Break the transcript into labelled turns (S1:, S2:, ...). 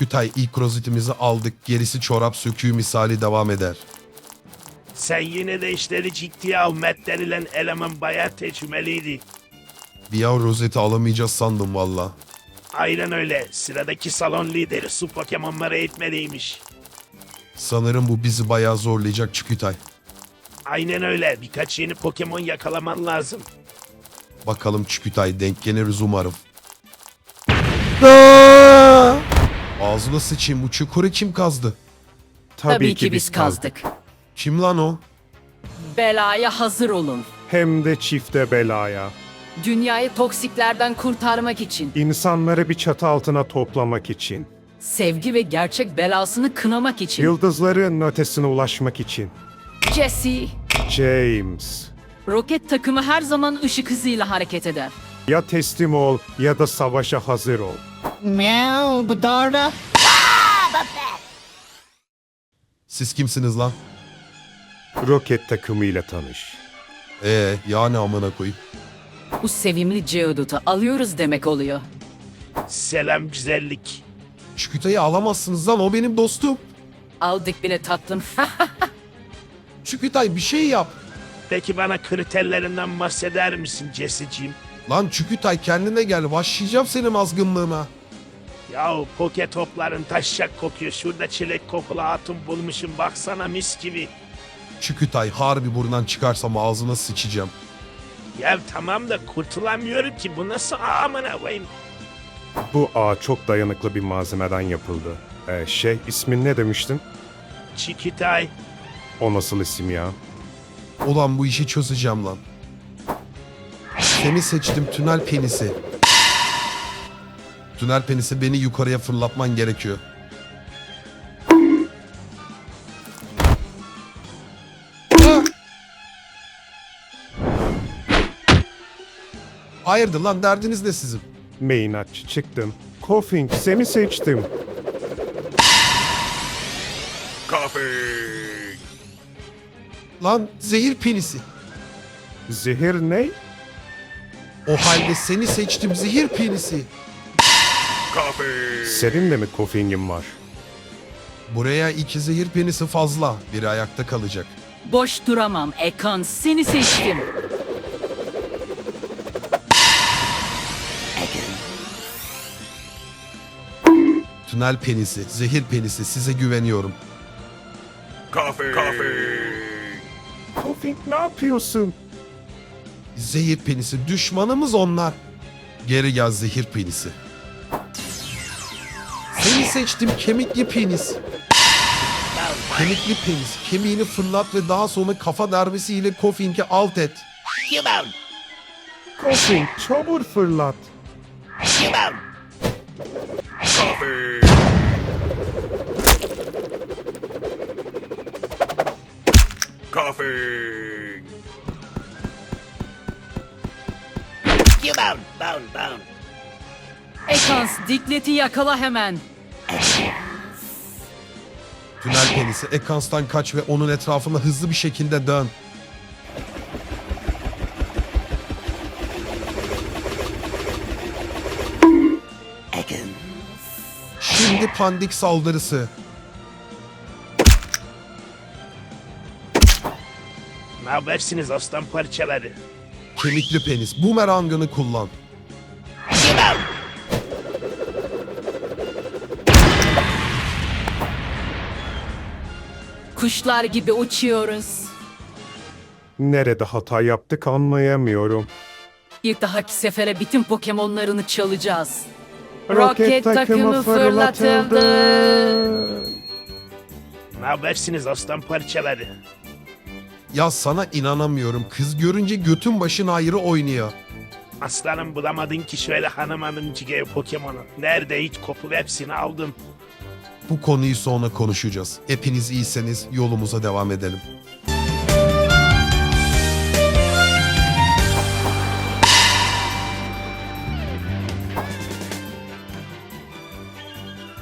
S1: Çükütay ilk rozetimizi aldık. Gerisi çorap söküğü misali devam eder.
S2: Sen yine de işleri ciddiye al. Matt denilen eleman bayağı tecrübeliydi.
S1: Bir an rozeti alamayacağız sandım valla.
S2: Aynen öyle. Sıradaki salon lideri su Pokemon'ları eğitmeliymiş.
S1: Sanırım bu bizi bayağı zorlayacak Çükütay.
S2: Aynen öyle. Birkaç yeni Pokemon yakalaman lazım.
S1: Bakalım Çükütay denk geliriz umarım. Ağzına sıçayım, bu çukuru kim kazdı?
S3: Tabii ki biz kazdık.
S1: Kim lan o?
S3: Belaya hazır olun.
S4: Hem de çifte belaya.
S3: Dünyayı toksiklerden kurtarmak için,
S4: İnsanları bir çatı altına toplamak için.
S3: sevgi ve gerçek belasını kınamak için.
S4: Yıldızların ötesine ulaşmak için.
S3: Jesse,
S4: James.
S3: roket takımı her zaman ışık hızıyla hareket eder.
S4: Ya teslim ol ya da savaşa hazır ol.
S5: Meow, Bedara.
S1: Siz kimsiniz lan?
S4: Roket takımıyla tanış.
S1: Yani amına koyayım.
S3: Bu sevimli Geodude'u alıyoruz demek oluyor.
S2: Selam güzellik.
S1: Çükütay'ı alamazsınız lan, o benim dostum.
S3: Aldık bile tatlım.
S1: Çükütay bir şey yap.
S2: Peki bana kriterlerinden bahseder misin Jesse'ciğim?
S1: Lan Çükütay kendine gel, başlayacağım senin azgınlığına.
S2: Yahu poke topların taşacak kokuyor. Şurada çilek kokulu hatun bulmuşum. Baksana mis gibi.
S1: Çükütay harbi buradan çıkarsam ağzına sıçacağım.
S2: Ya tamam da kurtulamıyorum ki. Bu nasıl amına koyayım?
S4: Bu ağ çok dayanıklı bir malzemeden yapıldı. İsmin ne demiştin?
S2: Çikitay.
S4: O nasıl isim ya?
S1: Ulan bu işi çözeceğim lan. Seni seçtim tünel penisi. Tünel penisi, beni yukarıya fırlatman gerekiyor. Ah! Hayırdır lan, derdiniz ne sizin?
S4: Maynard çıktım. Koffing seni seçtim.
S1: Lan zehir penisi.
S4: Zehir ne?
S1: O halde seni seçtim zehir penisi.
S4: Senin de mi Koffing'in var?
S1: Buraya 2 zehir penisi fazla. Biri ayakta kalacak.
S3: Boş duramam Ekans, seni seçtim.
S1: Tünel penisi, zehir penisi, size güveniyorum.
S4: Koffing ne yapıyorsun?
S1: Zehir penisi, düşmanımız onlar. Geri gel zehir penisi. Seni seçtim kemikli penis. Kemikli penis, kemiğini fırlat ve daha sonra kafa darbesiyle Koffing'i alt et.
S4: Koffing çabuk fırlat.
S3: Ekans, Diglet'i yakala hemen.
S1: Tünel penisi, Ekans'tan kaç ve onun etrafında hızlı bir şekilde dön. Şimdi pandik saldırısı.
S2: Ne habersiniz aslan parçaları?
S1: Kemikli penis, bumerangını kullan.
S3: Kuşlar gibi uçuyoruz.
S4: Nerede hata yaptık anlayamıyorum.
S3: Bir dahaki sefere bütün Pokemon'larını çalacağız.
S4: Roket takımı fırlatıldı.
S2: Ne habersiniz aslan parçaları?
S1: Ya sana inanamıyorum, kız görünce götün başın ayrı oynuyor.
S2: Aslanım bulamadın ki şöyle hanımcık Pokemon'u. Nerede hiç kopup hepsini aldım.
S1: Bu konuyu sonra konuşacağız. Hepiniz iyiyseniz yolumuza devam edelim.